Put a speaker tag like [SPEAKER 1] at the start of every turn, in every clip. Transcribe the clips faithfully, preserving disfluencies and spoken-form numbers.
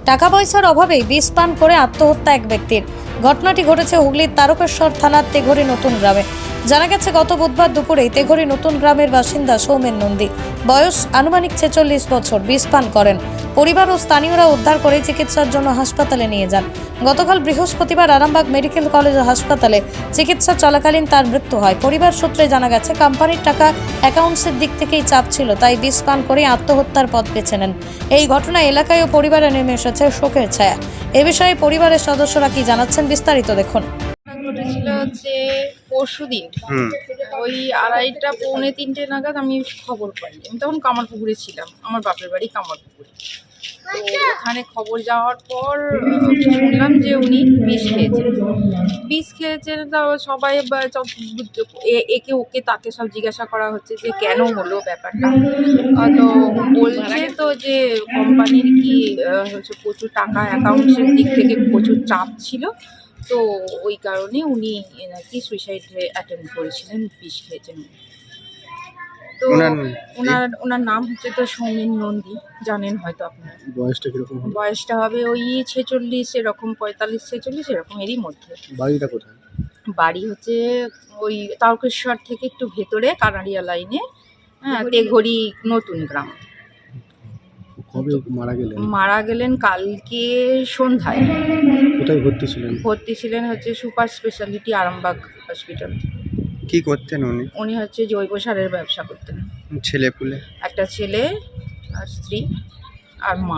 [SPEAKER 1] টাকা পয়সার অভাবেই বিষ পান করে আত্মহত্যা এক ব্যক্তির। ঘটনাটি ঘটেছে হুগলির তারকেশ্বর থানার তেঘরি নতুন গ্রামে। জানা গেছে গত বুধবার দুপুরেই তেঘরি নতুন গ্রামের বাসিন্দা সৌমেন নন্দী, বয়স আনুমানিক ছেচল্লিশ বছর, বিষ পান করেন। পরিবার ও স্থানীয়রা উদ্ধার করে চিকিৎসার জন্য হাসপাতালে নিয়ে যান। গতকাল বৃহস্পতিবার আরামবাগ মেডিকেল কলেজ ও হাসপাতালে চিকিৎসা চলাকালীন তার মৃত্যু হয়। পরিবার সূত্রে জানা গেছে কোম্পানির টাকা অ্যাকাউন্টসের দিক থেকেই চাপ ছিল, তাই বিষ পান করে আত্মহত্যার পথ বেছে নেন। এই ঘটনায় এলাকায় ও পরিবারে নেমে এসেছে শোকের ছায়া। এ বিষয়ে পরিবারের সদস্যরা কি জানাচ্ছেন বিস্তারিত দেখুন।
[SPEAKER 2] ঘটেছিল হচ্ছে পরশু দিন ওই আড়াইটা পৌনে তিনটে নাগাদ আমি খবর পাই। আমি তখন কামারপুকুরে ছিলাম, আমার বাপের বাড়ি কামারপুকুরে। তো ওখানে খবর যাওয়ার পর শুনলাম যে উনি বিষ খেয়েছেন বিষ খেয়েছেন তা সবাই একে ওকে তাকে সব জিজ্ঞাসা করা হচ্ছে যে কেন হলো ব্যাপারটা। তো বলছে তো যে কোম্পানির কি হচ্ছে প্রচুর টাকা অ্যাকাউন্টসের দিক থেকে প্রচুর চাপ ছিল, তো ওই কারণে উনি নাকি সুইসাইড অ্যাটেম্প করেছিলেন, বিষ খেয়েছেন। তো ওনার ওনার নাম হচ্ছে তো সৌমেন নন্দী, জানেন হয়তো আপনারা।
[SPEAKER 3] বয়সটা কিরকম হবে?
[SPEAKER 2] বয়সটা হবে ওই ছেচল্লিশ, এরকম পঁয়তাল্লিশ ছেচল্লিশ এরকম এরই মধ্যে।
[SPEAKER 3] বাড়িটা কোথায়?
[SPEAKER 2] বাড়ি হচ্ছে ওই তারকেশ্বর থেকে একটু ভেতরে কানাড়িয়া লাইনে, হ্যাঁ, তেঘরি নতুন গ্রাম।
[SPEAKER 3] কবে মারা গেলেন?
[SPEAKER 2] মারা গেলেন কালকে সন্ধ্যায়।
[SPEAKER 3] কোথায় ভর্তি ছিলেন?
[SPEAKER 2] ভর্তি ছিলেন হচ্ছে সুপার স্পেশালিটি আরামবাগ হসপিটাল।
[SPEAKER 4] কি করতেন উনি?
[SPEAKER 2] উনি হচ্ছে জৈব সারের ব্যবসা করতেন।
[SPEAKER 4] ছেলে পুলে?
[SPEAKER 2] একটা ছেলে আর স্ত্রী আর মা,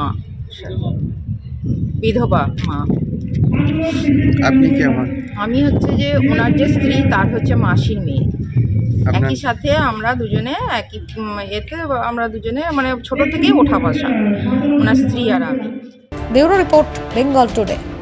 [SPEAKER 2] বিধবা মা।
[SPEAKER 4] আপনি কি আমার?
[SPEAKER 2] আমি হচ্ছে যে ওনার যে স্ত্রী তার হচ্ছে মাসির মেয়ে।
[SPEAKER 4] আপনার?
[SPEAKER 2] একই সাথে আমরা দুজনে একই উম, এতে আমরা দুজনে মানে ছোট থেকেই ওঠা বসা, ওনার স্ত্রী আর আমি।
[SPEAKER 1] Bureau report, Bengal today.